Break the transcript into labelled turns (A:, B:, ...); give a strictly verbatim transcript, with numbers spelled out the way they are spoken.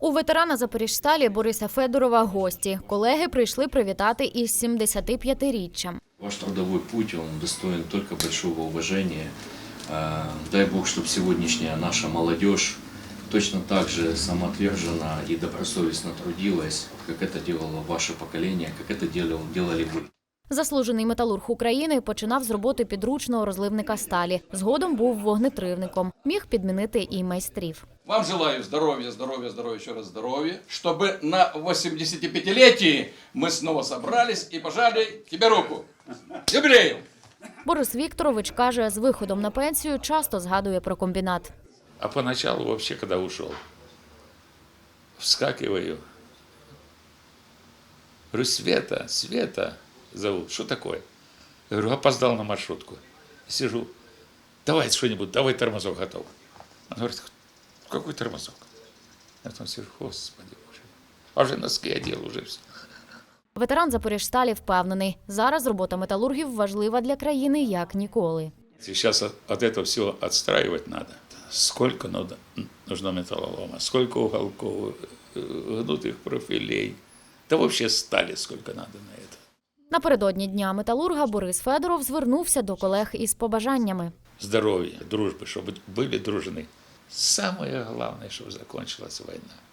A: У ветерана Запоріжсталі Бориса Федорова гості. Колеги прийшли привітати із сімдесятип'ятиріччям.
B: Ваш трудовой путь, он достоин только большого уважения. Дай Бог, чтобы сегодняшняя наша молодежь точно так же самоотверженно и добросовестно трудилась, как это делало ваше поколение, как это делали вы.
A: Заслужений металург України починав з роботи підручного розливника сталі. Згодом був вогнетривником. Міг підмінити і майстрів.
C: Вам желаю здоровья, здоровья, здоровья, еще раз здоровья, чтобы на восьмидесятипятилетии мы снова собрались и пожали тебе руку. Юбилею!
A: Борис Вікторович каже, з виходом на пенсію часто згадує про комбінат.
D: А поначалу вообще, когда ушел, вскакиваю. Говорю, Света, Света зовут. Что такое? Я говорю, опоздал на маршрутку. Сижу. Давай что-нибудь, давай тормозок готов. Он говорит, какой тормозок? Я там сижу, Господи Боже. А вже носки одел, уже все.
A: Ветеран Запоріжсталі впевнений, зараз робота металургів важлива для країни як ніколи.
D: Сейчас от, от этого всего отстраивать надо. Сколько надо, нужно металлолома, сколько уголков, гнутых профилей. Да вообще стали сколько надо на это.
A: Напередодні Дня металурга Борис Федоров звернувся до колег із побажаннями.
D: Здоровья, дружбы, чтобы были дружны. Самое главное, чтобы закончилась война.